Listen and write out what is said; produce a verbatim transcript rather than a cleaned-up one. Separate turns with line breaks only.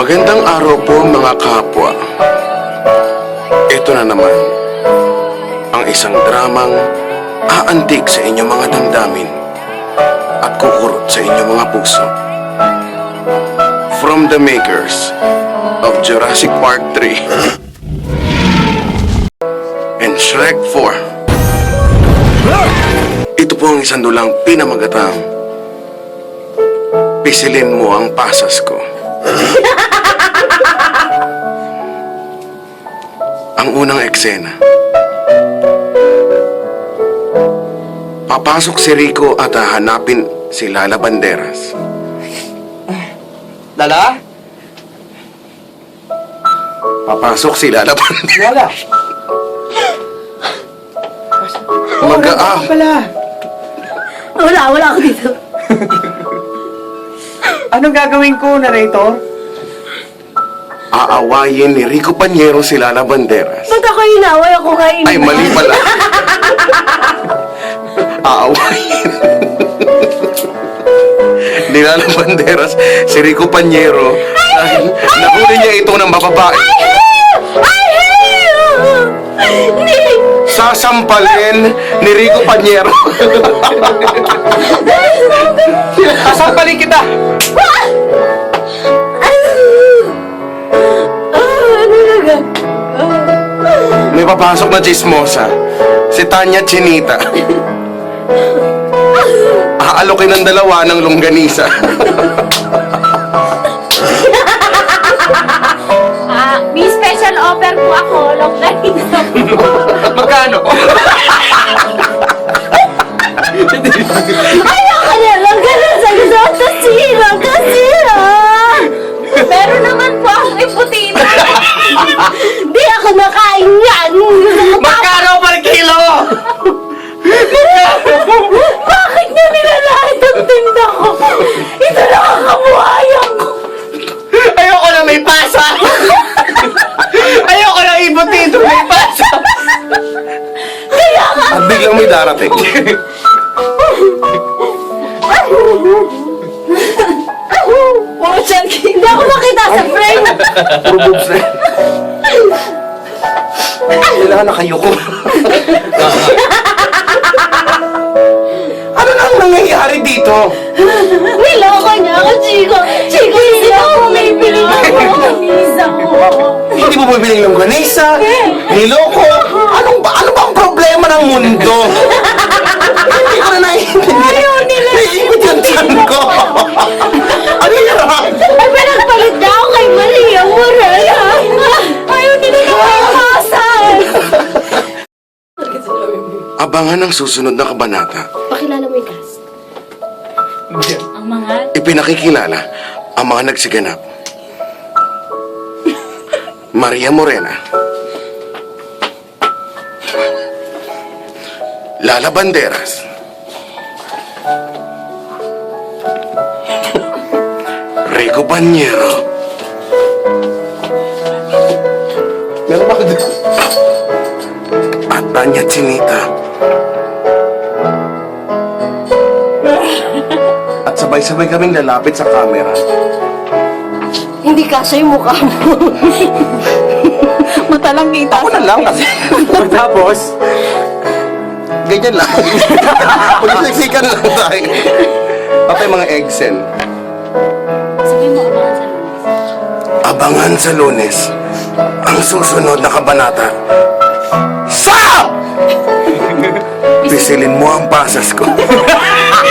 Magandang araw po mga kapwa. Ito na naman ang isang dramang aantig sa inyong mga damdamin at kukurot sa inyong mga puso. From the makers of Jurassic Park three and Shrek four. Ito po ang isang dulang pinamagatang Pisilin Mo Ang Pasas Ko. Ang unang eksena. Papasok si Rico at hahanapin si Lala Banderas.
Lala?
Papasok si Lala Banderas.
Lala?
Mag-aah.
Pala.
Wala, wala ako dito.
Anong gagawin ko, narrator?
Aawayin ni Rico Panyero si Lala Banderas.
Ba't ako inaway? Ako nga inaway.
Ay, mali pala. Aawayin ni Lala Banderas si Rico Panyero dahil nahuli niya ito ng mababae.
Ay, Hindi!
Sasampalin ni Rico Panyero.
Sasampalin kita!
Ah, ano na ga?
May papasok na chismosa, si Tanya Chinita. Aalokin ng dalawa ng longganisa.
Ah, may special offer po ako. Longganisa po.
Magkano?
Ayoko na! Longganisa! Gusto ko tasira! Tasira! Meron naman po akong iputita. Di ako nakain yan!
Magkano per kilo?
Bakit niya nilalait ang tinda ko? Ito lang ang kabuhayan ko.
Ayoko na may pasa! Ayoko na ibutito may pasa!
Kaya nga,
At biglang may darating.
oh, Chucky, hindi ako makita sa frame.
Puro boobs na yan. Kailangan na kayo ko. Ano na ang nangyayari dito?
Niloko niya ako, Chico. Chico, hindi ako bumibili ng longganisa ko.
Hindi mo bibiling longganisa? Niloko? Anong ba? Ano ba ang problema ng mundo? Hindi ko na naiintindihan.
Ayaw nila.
Naiikot yung tiyan ko. Ano yan?
Ay, pinagpalit niya ako kay Maria Morena. Ayaw nila na may pasas.
Abangan ang susunod na kabanata.
Pakilala mo yung cast. Ang mga...
Ipinakikilala ang mga nagsiganap. Maria Morena, Lala Banderas, Rico Panyero. Meron ba ka dito? At Tanya Chinita. At sabay-sabay kaming lalapit sa camera.
Hindi kasya yung mukha mo. Mata lang kita.
Ako na lang kasi.
Tapos,
Ganyan lang. Pagsiksikan lang tayo. Patay mga eggsen.
Sabi mo, abangan sa lunes.
Abangan sa Lunes ang susunod na kabanata. Sa! Pisilin mo ang pasas ko.